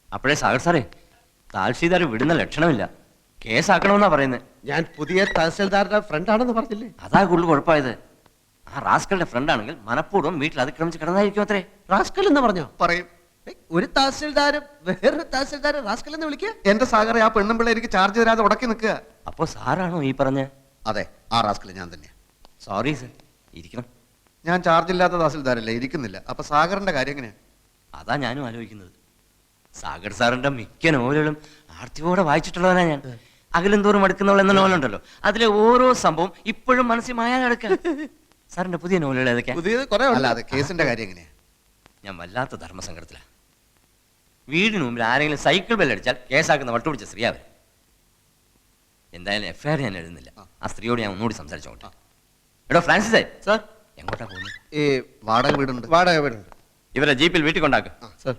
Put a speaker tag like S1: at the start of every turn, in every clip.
S1: അപ്പോഴേ സാഗർ സാറേ താൽഷീദാർ വിടുന്ന ലക്ഷണമില്ല, കേസാക്കണമെന്നാ പറയുന്നത്.
S2: ഞാൻ പുതിയ തഹസിൽദാരുടെ ഫ്രണ്ട് ആണെന്ന് പറഞ്ഞില്ലേ?
S1: അതാ കൂടുതൽ കുഴപ്പമായത്. ആ റാസ്കളുടെ ഫ്രണ്ട് ആണെങ്കിൽ മനഃപൂർവ്വം വീട്ടിൽ അതിക്രമിച്ച് കിടന്നായിരിക്കും അത്രേ.
S2: റാസ്കൽ എന്ന് പറഞ്ഞോ?
S3: പറയും.
S2: ഒരു തഹസിൽദാരും വേറൊരു തഹസിൽദാരെ റാസ്കൽ എന്ന് വിളിക്കുക?
S3: എന്റെ സാഗറെ, ആ പെണ്ണും പിള്ളേ എനിക്ക് ചാർജ് തരാതെ ഉടക്കി നിൽക്കുക.
S1: അപ്പോ സാറാണോ ഈ പറഞ്ഞ?
S3: അതെ, ആ റാസ്കൽ ഞാൻ തന്നെയാ.
S1: സോറി സർ, ഇരിക്കണം.
S3: ഞാൻ ചാർജ് ഇല്ലാത്ത തഹസിൽദാരല്ലേ, ഇരിക്കുന്നില്ല. അപ്പൊ സാഗറിന്റെ കാര്യം എങ്ങനെയാ?
S1: അതാ ഞാനും ആലോചിക്കുന്നത്. സാഗർ സാറിന്റെ മിക്ക നോവലുകളും ആർത്തിയോടെ വായിച്ചിട്ടുള്ളവനാ ഞാൻ. അകലും തോറും അടുക്കുന്നവൾ എന്ന നോവലുണ്ടല്ലോ, അതിലെ ഓരോ സംഭവം ഇപ്പോഴും മനസ്സിൽ മായാതെ കിടക്കുക. സാറിന്റെ പുതിയ നോവലുകൾ ഏതൊക്കെയാ?
S2: പുതിയത് കുറെ
S3: അല്ല, അത് കേസിന്റെ കാര്യം എങ്ങനെയാ?
S1: ഞാൻ വല്ലാത്ത ധർമ്മസങ്കടത്തിലാണ്. വീടിന് മുമ്പിൽ ആരെങ്കിലും സൈക്കിൾ ബെല്ലടിച്ചാൽ കേസാക്കുന്ന വട്ടുപിടിച്ച സ്ത്രീ അവർ. എന്തായാലും എഫ്ഐആർ ഞാൻ എഴുതുന്നില്ല. ആ സ്ത്രീയോട് ഞാൻ ഒന്നുകൂടി സംസാരിച്ചോട്ടെ. എടോ ഫ്രാൻസിസേ,
S2: സാർ.
S1: എങ്ങോട്ടാ പോകുന്നത്?
S2: ഈ
S3: വാടക വീടുണ്ട്.
S2: വാടക വീടുണ്ട്.
S1: ഇവരെ ജീപ്പിൽ വീട്ടിൽ കൊണ്ടാക്കുക.
S2: സാർ.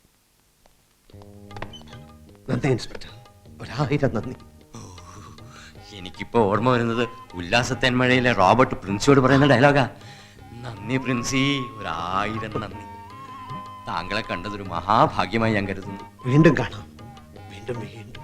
S2: നന്ദി ഇൻസ്പെക്ടർ, 1000 നന്ദി.
S1: എനിക്കിപ്പോ ഓർമ്മ വരുന്നത് ഉല്ലാസത്തേന്മഴയിലെ റോബർട്ട് പ്രിൻസിയോട് പറയുന്ന ഡയലോഗാ. നന്ദി പ്രിൻസി, 1000 നന്ദി. താങ്കളെ കണ്ടതൊരു മഹാഭാഗ്യമായി ഞാൻ കരുതുന്നു.
S2: വീണ്ടും കാണാം, വീണ്ടും വീണ്ടും.